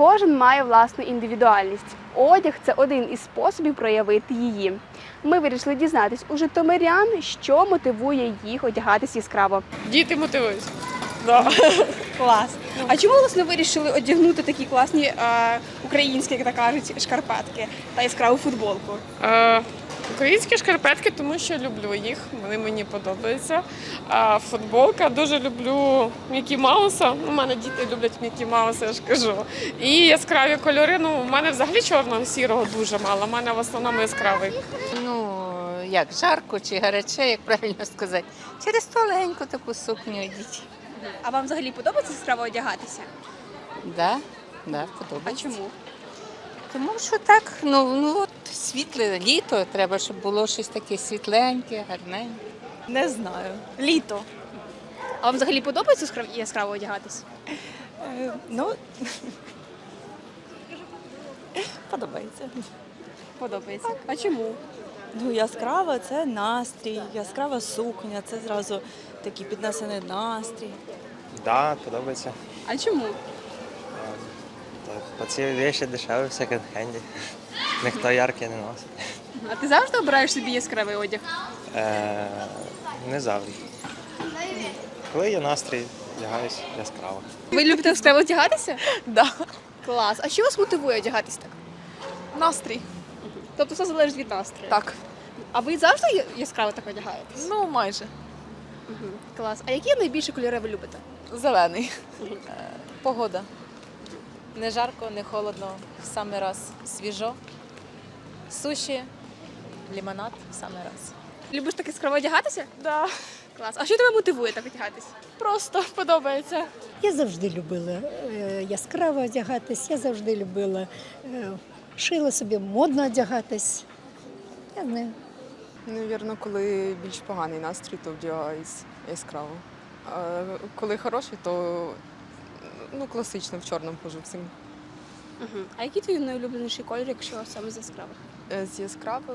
Кожен має власну індивідуальність. Одяг – це один із способів проявити її. Ми вирішили дізнатись у житомирян, що мотивує їх одягатись яскраво. Діти мотивують. Да. Клас. А чому власне вирішили одягнути такі класні українські, як так кажуть, шкарпетки та яскраву футболку? Українські шкарпетки, тому що люблю їх, вони мені подобаються. А футболка, дуже люблю Мікі Мауса. У мене діти люблять Мікі Мауса, я ж кажу. І яскраві кольори, у мене взагалі чорного, сірого дуже мало, у мене в основному яскравий. Як жарко чи гаряче, як правильно сказати. Через тоненьку таку сукню йдіть. А вам взагалі подобається яскраво одягатися? Да, А подобається. чому? Тому що так, от світле літо, треба, щоб було щось таке світленьке, гарненьке. Не знаю. Літо. А вам взагалі подобається яскраво одягатись? Подобається. Подобається. А чому? Яскрава це настрій, яскрава сукня, це зразу такий піднесений настрій. Да, подобається. А чому? Бо ці речі дешеві в секонд-хенді. Ніхто яркий не носить. А ти завжди обираєш собі яскравий одяг? Не завжди. Коли є настрій, вдягаюсь яскраво. Ви любите яскраво одягатися? Да. Клас. А що вас мотивує одягатись так? Настрій. Тобто все залежить від настрою? Так. А ви завжди яскраво так одягаєтесь? Майже. Клас. А які найбільші кольори ви любите? Зелений. Погода. Не жарко, не холодно, в самий раз свіжо. Суші, лимонад в самий раз. Любиш так яскраво одягатися? Да. Клас. А що тебе мотивує так одягатись? Просто подобається. Я завжди любила яскраво одягатись, я завжди любила шила собі модно одягатись. Я знаю. Навірно, коли більш поганий настрій, то вдягаюсь яскраво. А коли хороший, то класично в чорному ходжу всім. А який твій найулюбленіший колір, якщо саме з яскравих? З яскравих,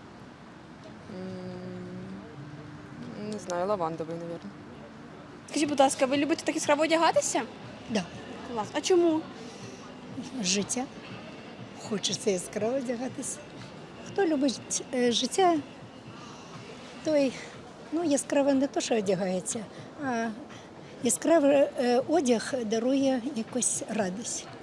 не знаю, лавандовий, навірно. Скажіть, будь ласка, ви любите так яскраво одягатися? Да. Клас. А чому? Життя. Хочеться яскраво одягатись. Хто любить життя, той яскраво не то, що одягається, а яскравий одяг дарує якусь радість.